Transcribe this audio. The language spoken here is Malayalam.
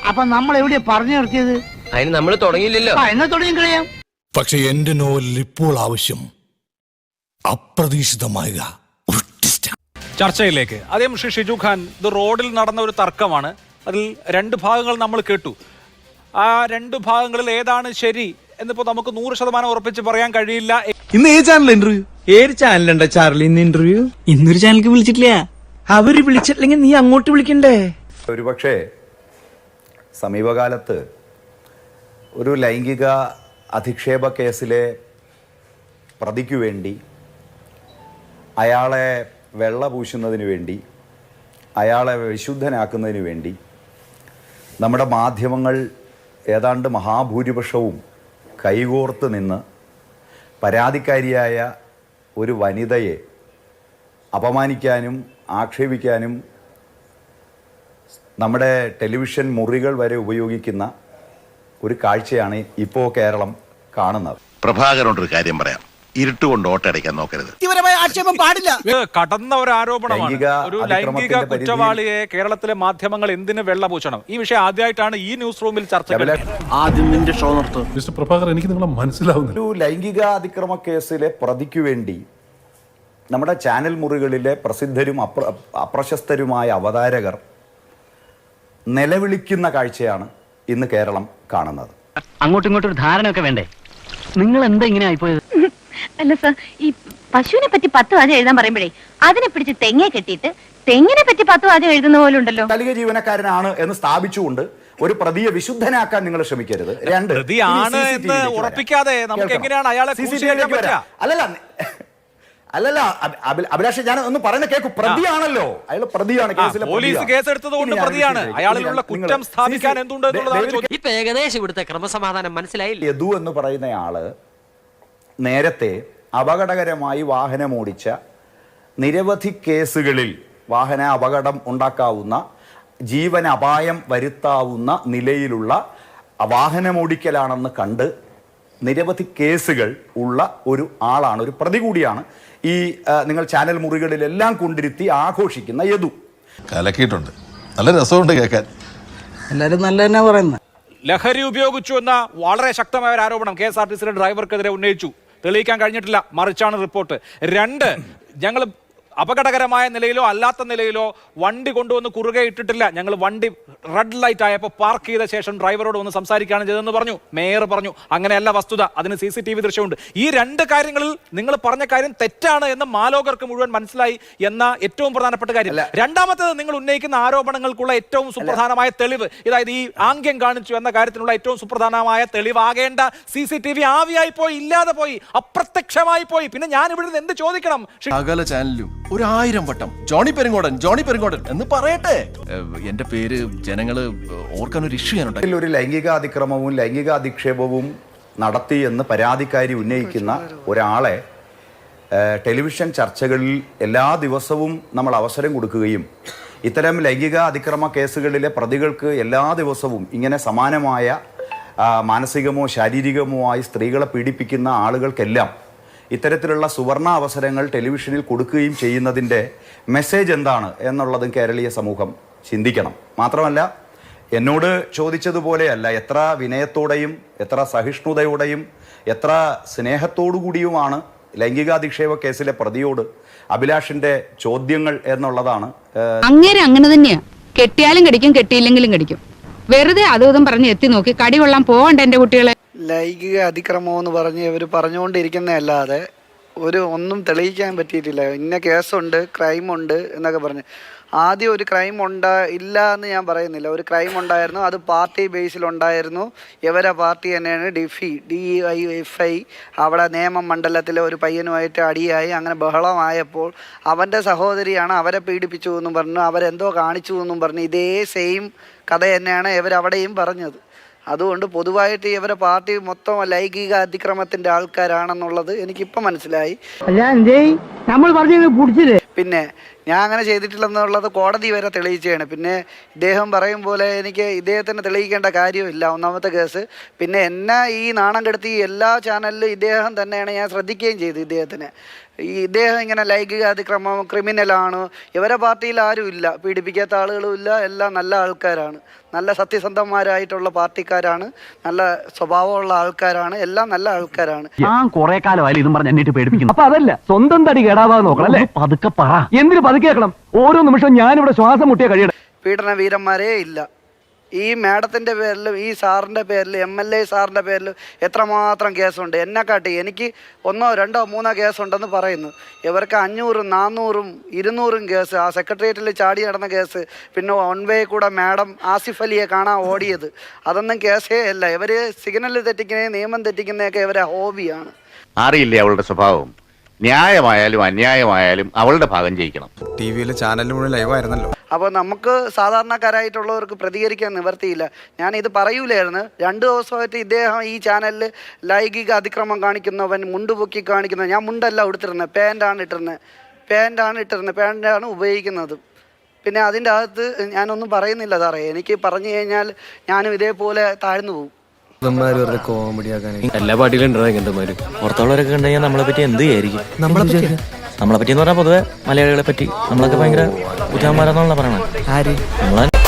അപ്പൊ നമ്മൾ എവിടെയാ പറഞ്ഞു നിർത്തിയത്? അതിന് നമ്മൾ തുടങ്ങിയില്ലല്ലോ. എന്നാ തുടങ്ങി കളയാം. പക്ഷെ എന്റെ നോവലിൽ ഇപ്പോൾ ആവശ്യം അപ്രതീക്ഷിതമായ ഒരു ട്വിസ്റ്റ്. ചർച്ചയിലേക്ക് ആദ്യം ശ്രീ ഷിജു ഖാൻ, ഇത് റോഡിൽ നടന്ന ഒരു തർക്കമാണ്. അതിൽ രണ്ട് ഭാഗങ്ങൾ നമ്മൾ കേട്ടു. ആ രണ്ട് ഭാഗങ്ങളിൽ ഏതാണ് ശരി എന്നിപ്പോ നമുക്ക് 100% ഉറപ്പിച്ച് പറയാൻ കഴിയില്ല. ഇന്ന് ഏത് ചാനൽ ഇന്റർവ്യൂ? ഏത് ചാനലുണ്ടോ ചാർലി ഇന്ന് ഇന്റർവ്യൂ? ഇന്നൊരു ചാനലിക്ക് വിളിച്ചിട്ടില്ല. അവര് വിളിച്ചിട്ടില്ലെങ്കിൽ നീ അങ്ങോട്ട് വിളിക്കണ്ടേ? ഒരുപക്ഷെ സമീപകാലത്ത് ഒരു ലൈംഗിക അധിക്ഷേപ കേസിലെ പ്രതിക്കു വേണ്ടി, അയാളെ വെള്ള പൂശുന്നതിന് വേണ്ടി, അയാളെ വിശുദ്ധനാക്കുന്നതിന് വേണ്ടി നമ്മുടെ മാധ്യമങ്ങൾ ഏതാണ്ട് മഹാഭൂരിപക്ഷവും കൈകോർത്ത് നിന്ന് പരാതിക്കാരിയായ ഒരു വനിതയെ അപമാനിക്കാനും ആക്ഷേപിക്കാനും നമ്മുടെ ടെലിവിഷൻ മുറികൾ വരെ ഉപയോഗിക്കുന്ന ഒരു കാഴ്ചയാണ് ഇപ്പോൾ കേരളം കാണുന്നത്. പ്രഭാകരനോടൊരു കാര്യം പറയാം, ഇരുട്ടുകൊണ്ട് ഓട്ടടയ്ക്കാൻ നോക്കരുത്. ആക്ഷേപം പാടില്ല. കടന്ന ഒരു ആരോപണമാണ്. ഒരു ലൈംഗിക കുറ്റവാളിയെ കേരളത്തിലെ മാധ്യമങ്ങൾ എന്തിന് വെള്ളപൂശണം? ഈ വിഷയം ആദ്യമായിട്ടാണ് ഈ ന്യൂസ് റൂമിൽ ചർച്ച. ആദ്യം നിന്റെ ഷോ നിർത്തും. മിസ്റ്റർ പ്രഭാകർ, എനിക്ക് നിങ്ങളെ മനസ്സിലാവുന്നു. ഒരു ലൈംഗിക അതിക്രമ കേസിലെ പ്രതിക്കു വേണ്ടി നമ്മുടെ ചാനൽ മുറികളിലെ പ്രസിദ്ധരും അപ്രശസ്തരുമായ അവതാരകർ നിലവിളിക്കുന്ന കാഴ്ചയാണ് ഇന്ന് കേരളം കാണുന്നത്. അങ്ങോട്ടും ഇങ്ങോട്ടും ഒരു ധാരണയൊക്കെ വേണ്ടേ? നിങ്ങൾ എന്താ ഇങ്ങനെ ആയിപ്പോയത്? അല്ല സർ, ഈ പശുവിനെ പറ്റി 10 വാചകം എഴുതാൻ പറയുമ്പോഴേ അതിനെ പിടിച്ച് തെങ്ങെ കെട്ടിയിട്ട് തെങ്ങിനെ പറ്റി 10 വാചകം എഴുതുന്ന പോലെ ഉണ്ടല്ലോ. താൽക്കാലിക ജീവനക്കാരനാണ് എന്ന് സ്ഥാപിച്ചുകൊണ്ട് ഒരു പ്രതിയെ വിശുദ്ധനാക്കാൻ നിങ്ങൾ ശ്രമിക്കരുത്. രണ്ട്, പ്രതിയാണ് എന്ന് ഉറപ്പിക്കാതെ നമുക്ക് എങ്ങനെയാണ് അയാളെ അല്ലല്ല അഭിലാഷ്, ഞാൻ ഒന്ന് പറയുന്ന കേൾക്കൂ. പ്രതിയാണല്ലോ അയാൾ, പ്രതിയാണ്. കേസിലെ പോലീസ് കേസെടുത്തതുകൊണ്ട് പ്രതിയാണ്. അയാളിലുള്ള കുറ്റം സ്ഥാപിക്കാൻ എന്തുണ്ട് എന്നുള്ളതാണ് ചോദ്യം. ഇപ്പൊ ഏകദേശം ഇവിടുത്തെ ക്രമസമാധാനം മനസ്സിലായില്ല. യദു എന്ന് പറയുന്നയാള് നേരത്തെ അപകടകരമായി വാഹനമോടിച്ച നിരവധി കേസുകളിൽ വാഹന അപകടം ഉണ്ടാക്കാവുന്ന, ജീവൻ അപായം വരുത്താവുന്ന നിലയിലുള്ള വാഹനമോടിക്കലാണെന്ന് കണ്ട് നിരവധി കേസുകൾ ഉള്ള ഒരു ആളാണ്, ഒരു പ്രതി കൂടിയാണ് ഈ നിങ്ങൾ ചാനൽ മുറികളിലെല്ലാം കൊണ്ടിരുത്തി ആഘോഷിക്കുന്ന യദു. കലക്കിയിട്ടുണ്ട്, നല്ല രസമുണ്ട് കേൾക്കാൻ. എല്ലാരും നല്ല തന്നെ പറയുന്നത്. ലഹരി ഉപയോഗിച്ചു എന്ന വളരെ ശക്തമായ ഒരു ആരോപണം KSRTC ഡ്രൈവർക്കെതിരെ ഉന്നയിച്ചു. തെളിയിക്കാൻ കഴിഞ്ഞിട്ടില്ല, മറിച്ചാണ് റിപ്പോർട്ട്. 2, ഞങ്ങൾ അപകടകരമായ നിലയിലോ അല്ലാത്ത നിലയിലോ വണ്ടി കൊണ്ടുവന്ന് കുറുകെ ഇട്ടിട്ടില്ല. ഞങ്ങൾ വണ്ടി റെഡ് ലൈറ്റ് ആയപ്പോൾ പാർക്ക് ചെയ്ത ശേഷം ഡ്രൈവറോട് ഒന്ന് സംസാരിക്കുകയാണ് ചെയ്തതെന്ന് പറഞ്ഞു. മേയർ പറഞ്ഞു. അങ്ങനെയല്ല വസ്തുത, അതിന് CCTV ദൃശ്യമുണ്ട്. ഈ 2 കാര്യങ്ങളിൽ നിങ്ങൾ പറഞ്ഞ കാര്യം തെറ്റാണ് എന്ന് മാലോകർക്ക് മുഴുവൻ മനസ്സിലായി എന്ന ഏറ്റവും പ്രധാനപ്പെട്ട കാര്യം. രണ്ടാമത്തേത്, നിങ്ങൾ ഉന്നയിക്കുന്ന ആരോപണങ്ങൾക്കുള്ള ഏറ്റവും സുപ്രധാനമായ തെളിവ്, അതായത് ഈ ആംഗ്യം കാണിച്ചു എന്ന കാര്യത്തിനുള്ള ഏറ്റവും സുപ്രധാനമായ തെളിവാകേണ്ട CCTV ആവിയായി പോയി, ഇല്ലാതെ പോയി, അപ്രത്യക്ഷമായി പോയി. പിന്നെ ഞാൻ ഇവിടെ എന്ത് ചോദിക്കണം? സകല ചാനലിലും 1000 വട്ടം ജോണി പെരുങ്ങോടൻ എന്ന് പറയട്ടെ. എന്റെ പേര് ജനങ്ങള് ഓർക്കാൻ ഒരു ഇഷ്യൂ ചെയ്യാനുണ്ട്. ഒരു ലൈംഗിക അതിക്രമവും ലൈംഗിക അധിക്ഷേപവും നടത്തി എന്ന് പരാതിക്കാരി ഉന്നയിക്കുന്ന ഒരാളെ ടെലിവിഷൻ ചർച്ചകളിൽ എല്ലാ ദിവസവും നമ്മൾ അവസരം കൊടുക്കുകയും ഇത്തരം ലൈംഗിക അതിക്രമ കേസുകളിലെ പ്രതികൾക്ക് എല്ലാ ദിവസവും ഇങ്ങനെ സമാനമായ മാനസികമോ ശാരീരികമോ ആയി സ്ത്രീകളെ പീഡിപ്പിക്കുന്ന ആളുകൾക്കെല്ലാം ഇത്തരത്തിലുള്ള സുവർണ അവസരങ്ങൾ ടെലിവിഷനിൽ കൊടുക്കുകയും ചെയ്യുന്നതിൻ്റെ മെസ്സേജ് എന്താണ് എന്നുള്ളതും കേരളീയ സമൂഹം ചിന്തിക്കണം. മാത്രമല്ല, എന്നോട് ചോദിച്ചതുപോലെയല്ല, എത്ര വിനയത്തോടെയും എത്ര സഹിഷ്ണുതയോടെയും എത്ര സ്നേഹത്തോടു കൂടിയുമാണ് ലൈംഗികാധിക്ഷേപ കേസിലെ പ്രതിയോട് അഭിലാഷിന്റെ ചോദ്യങ്ങൾ എന്നുള്ളതാണ്. അങ്ങനെ തന്നെയാ. കെട്ടിയാലും കടിക്കും, കെട്ടിയില്ലെങ്കിലും കടിക്കും. വെറുതെ അതും പറഞ്ഞ് എത്തി നോക്കി കടി കൊള്ളാൻ പോകണ്ട എന്റെ കുട്ടികളെ. ലൈംഗിക അതിക്രമം എന്ന് പറഞ്ഞ് ഇവർ പറഞ്ഞുകൊണ്ടിരിക്കുന്നതല്ലാതെ ഒന്നും തെളിയിക്കാൻ പറ്റിയിട്ടില്ല. ഇന്ന കേസുണ്ട്, ക്രൈമുണ്ട് എന്നൊക്കെ പറഞ്ഞ്. ആദ്യം ഒരു ക്രൈം ഇല്ല എന്ന് ഞാൻ പറയുന്നില്ല. ഒരു ക്രൈം ഉണ്ടായിരുന്നു, അത് പാർട്ടി ബേസിലുണ്ടായിരുന്നു. ഇവരെ പാർട്ടി തന്നെയാണ് DIFI. അവിടെ നിയമമണ്ഡലത്തിലെ ഒരു പയ്യനുമായിട്ട് അടിയായി, അങ്ങനെ ബഹളമായപ്പോൾ അവൻ്റെ സഹോദരിയാണ് അവരെ പീഡിപ്പിച്ചു എന്നും പറഞ്ഞു, അവരെന്തോ കാണിച്ചു എന്നും പറഞ്ഞു. ഇതേ സെയിം കഥ തന്നെയാണ് ഇവരവിടെയും പറഞ്ഞത്. അതുകൊണ്ട് പൊതുവായിട്ട് ഇവരെ പാർട്ടി മൊത്തം ലൈംഗിക അതിക്രമത്തിന്റെ ആൾക്കാരാണെന്നുള്ളത് എനിക്കിപ്പോൾ മനസ്സിലായി. പിന്നെ ഞാൻ അങ്ങനെ ചെയ്തിട്ടില്ലെന്നുള്ളത് കോടതി വരെ തെളിയിച്ചാണ്. പിന്നെ ഇദ്ദേഹം പറയും പോലെ എനിക്ക് ഇദ്ദേഹത്തിന് തെളിയിക്കേണ്ട കാര്യമില്ല, ഒന്നാമത്തെ കേസ്. പിന്നെ എന്നെ ഈ നാണം കെടുത്തി എല്ലാ ചാനലിലും ഇദ്ദേഹം തന്നെയാണ്, ഞാൻ ശ്രദ്ധിക്കുകയും ചെയ്തു ഇദ്ദേഹത്തിന്. ഈ ഇദ്ദേഹം ഇങ്ങനെ ലൈംഗിക അതിക്രമം ക്രിമിനലാണ്. ഇവരെ പാർട്ടിയിൽ ആരും ഇല്ല, പീഡിപ്പിക്കാത്ത ആളുകളും ഇല്ല, എല്ലാം നല്ല ആൾക്കാരാണ്, നല്ല സത്യസന്ധന്മാരായിട്ടുള്ള പാർട്ടിക്കാരാണ്, നല്ല സ്വഭാവമുള്ള ആൾക്കാരാണ്, എല്ലാം നല്ല ആൾക്കാരാണ്. ഞാൻ കുറെ കാലമായാലും ഇതും പറഞ്ഞ് എന്നിട്ട് പേടിപ്പിക്കുന്നു. അപ്പൊ അതല്ല, സ്വന്തം തടി കേടാവാതെ നോക്കണം അല്ലേ? പതുക്കെ പറ. എന്തിനു പതുക്കെ കേൾക്കണം? ഓരോ നിമിഷവും ഞാനിവിടെ ശ്വാസം മുട്ടിയ കഴിയണം. പീഡന വീരന്മാരേ ഇല്ല. ഈ മാഡത്തിൻ്റെ പേരിലും ഈ സാറിൻ്റെ പേരിലും MLA സാറിൻ്റെ പേരിലും എത്രമാത്രം കേസുണ്ട്. എന്നെക്കാട്ടി എനിക്ക് 1, 2, 3 കേസുണ്ടെന്ന് പറയുന്നു. ഇവർക്ക് 500, 400, 200 കേസ്. ആ സെക്രട്ടേറിയറ്റിൽ ചാടി നടന്ന കേസ്, പിന്നെ 1 വേ കൂടെ മാഡം ആസിഫ് അലിയെ കാണാൻ ഓടിയത്, അതൊന്നും കേസേ അല്ല. ഇവർ സിഗ്നൽ തെറ്റിക്കുന്നേ നിയമം തെറ്റിക്കുന്നതൊക്കെ ഇവരെ ഹോബിയാണ്. അറിയില്ലേ അവളുടെ സ്വഭാവം? ന്യായമായാലും അന്യായമായാലും അവളുടെ ഭാഗം ജയിക്കണം. ടിവിയിലെ ചാനലിന് മുഴുവൻ ലൈവായിരുന്നല്ലോ. അപ്പോൾ നമുക്ക് സാധാരണക്കാരായിട്ടുള്ളവർക്ക് പ്രതികരിക്കാൻ നിവർത്തിയില്ല. ഞാൻ ഇത് പറയൂലായിരുന്നു. 2 ദിവസമായിട്ട് ഇദ്ദേഹം ഈ ചാനലിൽ ലൈംഗിക അതിക്രമം കാണിക്കുന്നവൻ, മുണ്ടുപൊക്കി കാണിക്കുന്നത്. ഞാൻ മുണ്ടല്ല ഉടുത്തിരുന്നത്, പാൻ്റാണ് ഇട്ടിരുന്നത്, പാൻ്റാണ് ഉപയോഗിക്കുന്നത്. പിന്നെ അതിൻ്റെ അകത്ത് ഞാനൊന്നും പറയുന്നില്ല സാറേ. എനിക്ക് പറഞ്ഞു കഴിഞ്ഞാൽ ഞാനും ഇതേപോലെ താഴ്ന്നു പോകും. എല്ലാ പാർട്ടിയിലും ഉണ്ടാവും ഇങ്ങനത്തെ പുറത്തുള്ളവരൊക്കെ ഉണ്ടെങ്കിൽ നമ്മളെ പറ്റി എന്ത് വിചാരിക്കും? നമ്മളെ പറ്റി എന്ന് പറഞ്ഞാൽ പൊതുവെ മലയാളികളെ പറ്റി നമ്മളൊക്കെ ഭയങ്കര കുറ്റന്മാരെന്നുള്ള പറയണേ. നമ്മളെ